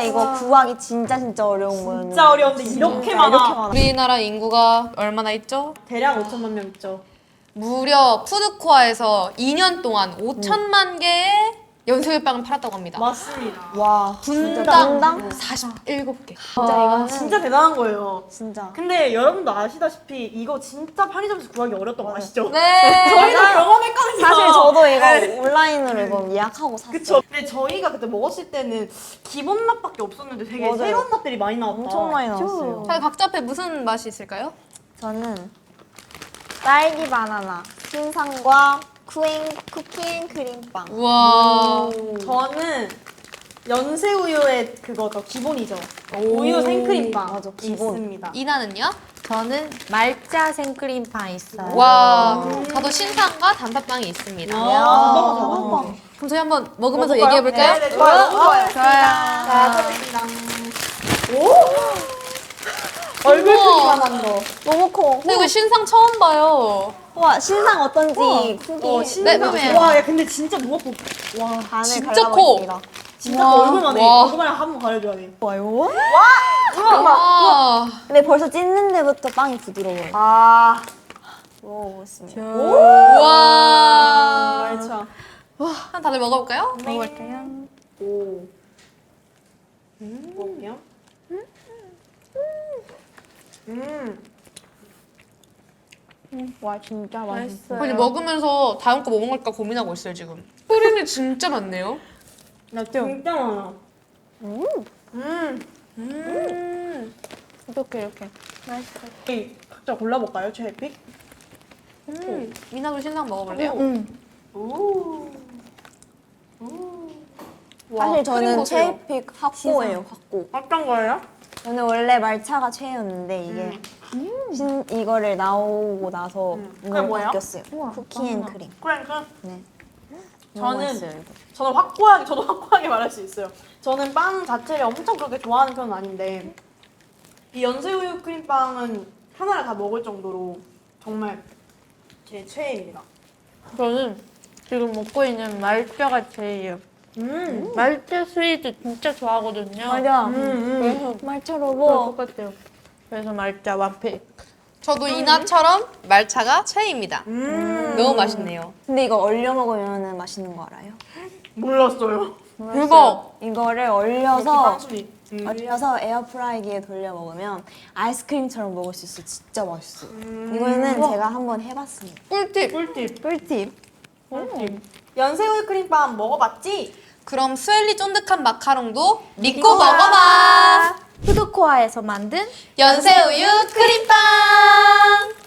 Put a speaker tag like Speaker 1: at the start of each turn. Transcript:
Speaker 1: 이거 구하기 진짜 어려운 거였는데.
Speaker 2: 진짜 어려운데 이렇게 많아.
Speaker 3: 우리나라 인구가 얼마나 있죠?
Speaker 2: 대략 5천만 명 있죠.
Speaker 3: 무려 푸드코아에서 2년 동안 5천만 개의 연소유빵을 팔았다고 합니다.
Speaker 2: 맞습니다.
Speaker 1: 와,
Speaker 3: 분당 47개.
Speaker 1: 진짜 이거
Speaker 2: 진짜 대단한 거예요.
Speaker 1: 진짜.
Speaker 2: 근데 여러분도 아시다시피 이거 진짜 편의점에서 구하기 어렸던 거 아시죠?
Speaker 3: 네.
Speaker 2: 저희도 경험했거든요.
Speaker 1: 사실 저도 이거 온라인으로 이거 예약하고 샀어요.
Speaker 2: 그쵸. 근데 저희가 그때 먹었을 때는 기본 맛밖에 없었는데 되게
Speaker 1: 맞아요.
Speaker 2: 새로운 맛들이 많이 나왔다.
Speaker 1: 엄청 많이 나왔어요.
Speaker 3: 자, 각자 앞에 무슨 맛이 있을까요?
Speaker 1: 저는 딸기 바나나, 신상과 쿠키앤크림빵.
Speaker 3: 우와.
Speaker 2: 저는 연새우유의 그거죠. 기본이죠. 우유 생크림빵
Speaker 1: 맞아, 기본.
Speaker 2: 있습니다.
Speaker 3: 이나는요?
Speaker 4: 저는 말자 생크림빵 있어요.
Speaker 3: 와. 저도 신상과 단팥빵이 있습니다.
Speaker 2: 아,
Speaker 3: 그럼 저희 한번 먹으면서
Speaker 2: 먹어볼까요?
Speaker 3: 얘기해볼까요?
Speaker 2: 네, 좋아요. 좋아요.
Speaker 3: 좋아요.
Speaker 2: 얼굴
Speaker 3: 우와.
Speaker 2: 크기만 한 거.
Speaker 1: 너무 커.
Speaker 3: 근데 이거 신상 처음 봐요.
Speaker 1: 와, 신상 어떤지 후기
Speaker 3: 네, 네.
Speaker 2: 와, 야, 근데 진짜 무겁고. 와,
Speaker 1: 반을
Speaker 3: 진짜
Speaker 1: 갈라버립니다.
Speaker 2: 진짜
Speaker 3: 와.
Speaker 2: 얼굴만 해.
Speaker 3: 와.
Speaker 2: 얼굴만 한번 가려줘야 돼.
Speaker 1: 와요?
Speaker 3: 와.
Speaker 1: 근데 벌써 찢는 데부터 빵이 부드러워요.
Speaker 2: 아,
Speaker 1: 먹어보겠습니다.
Speaker 3: 와.
Speaker 2: 알죠.
Speaker 3: 한 다들 먹어볼까요?
Speaker 1: 먹어볼게요.
Speaker 2: 오. 먹을게요.
Speaker 1: 와, 진짜 맛있어요.
Speaker 3: 아니 먹으면서 다음 거 뭐 먹을까 고민하고 있어요 지금. 크림이 진짜 많네요.
Speaker 2: 나 진짜 많아.
Speaker 1: 이렇게. 맛있어요.
Speaker 2: 저희 각자 골라볼까요? 최애 픽?
Speaker 3: 미나도 신상 먹어볼래요?
Speaker 2: 오.
Speaker 1: 사실 저는
Speaker 3: 보세요.
Speaker 1: 최애픽 학고예요, 학고.
Speaker 2: 어떤 거예요?
Speaker 1: 저는 원래 말차가 최애였는데 이게 이거를 나오고 나서
Speaker 2: 그게
Speaker 1: 이걸
Speaker 2: 뭐예요?
Speaker 1: 바뀌었어요. 쿠키앤크림.
Speaker 2: 그러니까
Speaker 1: 네. 너무
Speaker 2: 저는
Speaker 1: 맛있어요, 이거.
Speaker 2: 저도 확고하게 말할 수 있어요. 저는 빵 자체를 엄청 그렇게 좋아하는 편은 아닌데 이 연새우유 크림빵은 하나를 다 먹을 정도로 정말 제 최애입니다.
Speaker 4: 저는 지금 먹고 있는 말자가 제일이에요. 말자 스위트 진짜 좋아하거든요.
Speaker 1: 맞아.
Speaker 4: 그래서
Speaker 1: 말차
Speaker 4: 그거
Speaker 1: 로봇.
Speaker 4: 똑같아요. 그래서 말자 완픽.
Speaker 3: 저도 이나처럼 말차가 최애입니다. 너무 맛있네요.
Speaker 1: 근데 이거 얼려 먹으면 맛있는 거 알아요?
Speaker 2: 몰랐어요.
Speaker 3: 대박.
Speaker 1: 이거를 얼려서
Speaker 2: 빵순이.
Speaker 1: 얼려서 에어프라이기에 돌려 먹으면 아이스크림처럼 먹을 수 있어. 진짜 맛있어요. 이거는 제가 한번 해봤습니다.
Speaker 3: 꿀팁.
Speaker 2: 꿀팁.
Speaker 1: 꿀팁.
Speaker 2: 연새우유 크림빵 먹어봤지?
Speaker 3: 그럼 스웰리 쫀득한 마카롱도 믿고 먹어봐.
Speaker 4: 푸드코아에서 만든
Speaker 3: 연새우유 크림빵.